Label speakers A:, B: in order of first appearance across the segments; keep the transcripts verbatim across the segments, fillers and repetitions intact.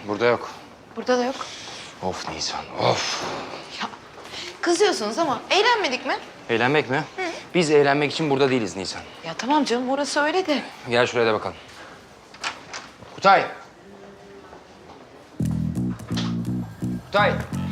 A: Burada yok.
B: Burada da yok.
A: Of Nisan, of.
B: Ya kızıyorsunuz ama eğlenmedik mi?
A: Eğlenmek mi? Hı. Biz eğlenmek için burada değiliz Nisan.
B: Ya tamam canım orası öyle de.
A: Gel şuraya da bakalım. Kutay. Kutay.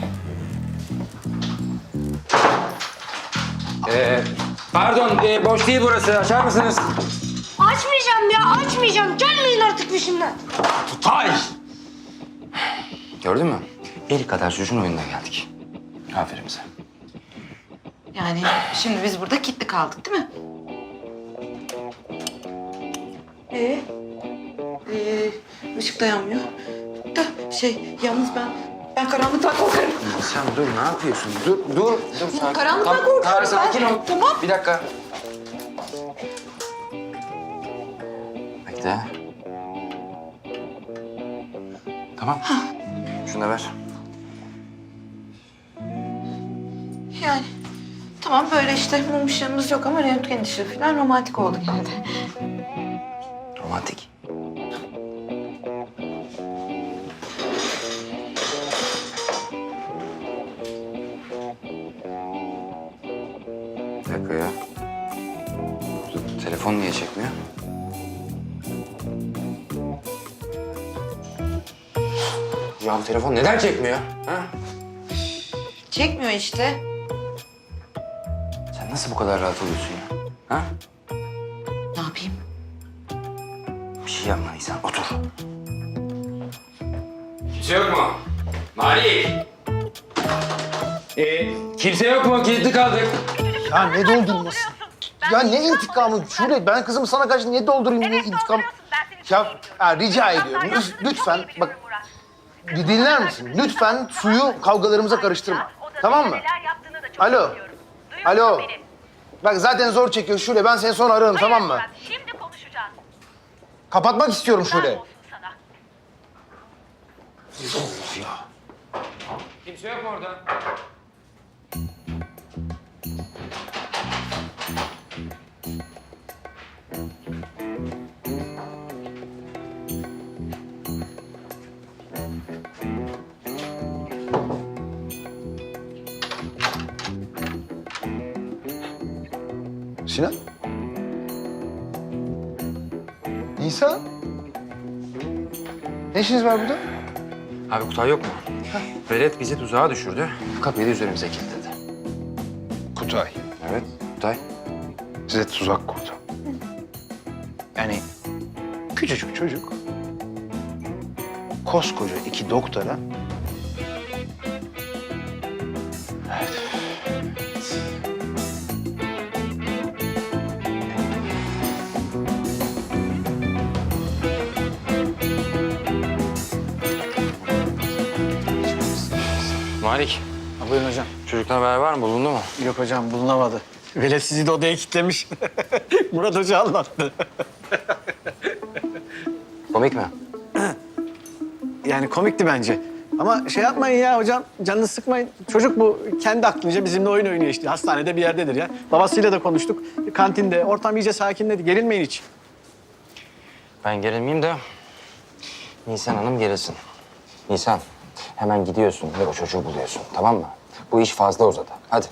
A: Ee, pardon, e, boş değil burası. Açar mısınız?
C: Açmayacağım ya, açmayacağım. Gelmeyin artık peşimden.
A: Kutay! Gördün mü? El kadar çocuğun oyununa geldik. Aferin bize.
B: Yani şimdi biz burada kilitli kaldık değil mi? Ee, ee, ışık da yanmıyor. Da şey yalnız ben ben karanlıktan korkarım.
A: Sen dur, ne yapıyorsun? Dur, dur. dur sakin.
B: Karanlıktan
A: Tamam,
B: korkuyorum
A: Tarık,
B: ben.
A: sakin ol.
B: Tamam.
A: Bir dakika. Bekle. Tamam. Şunu da ver.
B: Yani tamam böyle işte mum ışığımız yok ama röntgen ışığı falan romantik oldu yine de.
A: Romantik. Bir dakika ya. Telefon niye çekmiyor? Ya bu telefon neden çekmiyor? Ha?
B: Çekmiyor işte.
A: Sen nasıl bu kadar rahat oluyorsun ya? Ha?
B: Ne yapayım?
A: Bir şey yapma Nisan, otur. Kimse yok mu? Malik! Ee, kimse yok mu? Kilitli kaldık.
D: Ya ne doldurması? Ya ne intikamı? Şule ben kızımı sana karşı niye doldurayım ne intikam? Ya, ya rica ediyorum lüt- lütfen bak bir dinler misin? Lütfen suyu kavgalarımıza karıştırma. Tamam mı? Alo. Alo. Bak zaten zor çekiyor Şule. Ben seni sonra ararım tamam mı?
E: Şimdi konuşacağız.
D: Kapatmak istiyorum Şule.
E: Olsun sana.
A: Kimse yok mu orada?
D: Sinan? Nisa? Ne işiniz var burada?
A: Abi Kutay yok mu? Velet bizi tuzağa düşürdü. Kapıyı da üzerimize kilitledi.
D: Kutay.
A: Evet, Kutay.
D: Size tuzak kurdu. Yani küçücük çocuk koskoca iki doktora evet.
A: Malik,
F: Buyurun hocam.
A: çocuktan haber var mı? Bulundu mu?
F: Yok hocam bulunamadı. Velet sizi de odaya kilitlemiş. Murat Hoca anlattı.
A: Komik mi?
F: Yani komikti bence. Ama şey yapmayın ya hocam, canını sıkmayın. Çocuk bu kendi aklınca bizimle oyun oynuyor işte. Hastanede bir yerdedir ya. Babasıyla da konuştuk. Kantinde, ortam iyice sakinledi. Gerilmeyin hiç.
A: Ben gerilmeyeyim de Nisan Hanım gerilsin. Nisan, hemen gidiyorsun ve o çocuğu buluyorsun, tamam mı? Bu iş fazla uzadı. Hadi.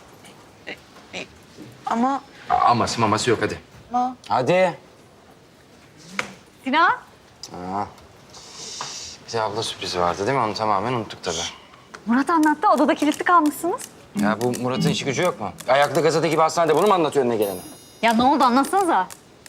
B: Ama
A: A- Aması maması yok, hadi.
B: ama
A: Hadi.
G: Sinan,
A: Aa. Bize abla sürprizi vardı değil mi? Onu tamamen unuttuk tabii.
G: Murat anlattı. Odada kilitli kalmışsınız.
A: Ya bu Murat'ın işi gücü yok mu? Ayaklı gazete gibi hastanede bunu mu anlatıyor önüne gelene?
G: Ya ne oldu anlatsanıza.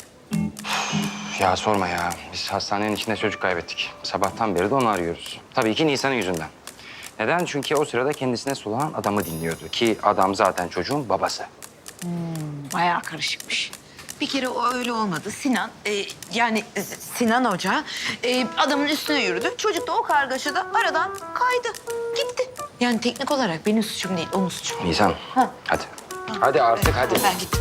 A: Ya sorma ya. Biz hastanenin içinde çocuk kaybettik. Sabahtan beri de onu arıyoruz. Tabii ki Nisan'ın yüzünden. Neden? Çünkü o sırada kendisine sulanan adamı dinliyordu. Ki adam zaten çocuğun babası.
B: bayağı karışıkmış. Bir kere o öyle olmadı. Sinan, e, yani e, Sinan Hoca e, adamın üstüne yürüdü. Çocuk da o kargaşada aradan kaydı, gitti. Yani teknik olarak benim suçum değil, onun suçu.
A: Nisan,
B: Ha.
A: hadi. Hadi artık hadi.
B: Ben gittim.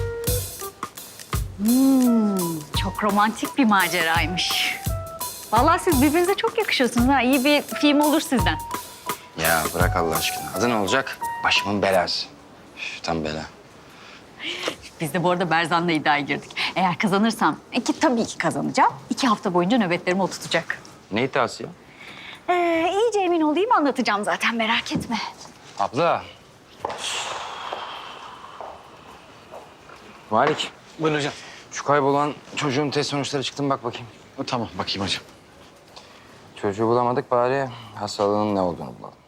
G: Çok romantik bir maceraymış. Vallahi siz birbirinize çok yakışıyorsunuz ha. İyi bir film olur sizden.
A: Ya bırak Allah aşkına. Adı ne olacak? Başımın belası. Üf, tam bela.
G: Biz de bu arada Berzan'la iddiaya girdik. Eğer kazanırsam, ki tabii ki kazanacağım, iki hafta boyunca nöbetlerimi o tutacak.
A: Ne iddiası ya?
G: Ee, iyice emin olayım anlatacağım zaten merak etme.
A: Abla. Malik,
F: Buyurun hocam.
A: şu kaybolan çocuğun test sonuçları çıktı mı bak bakayım.
F: Tamam bakayım hocam.
A: Çocuğu bulamadık bari hastalığının ne olduğunu bulalım.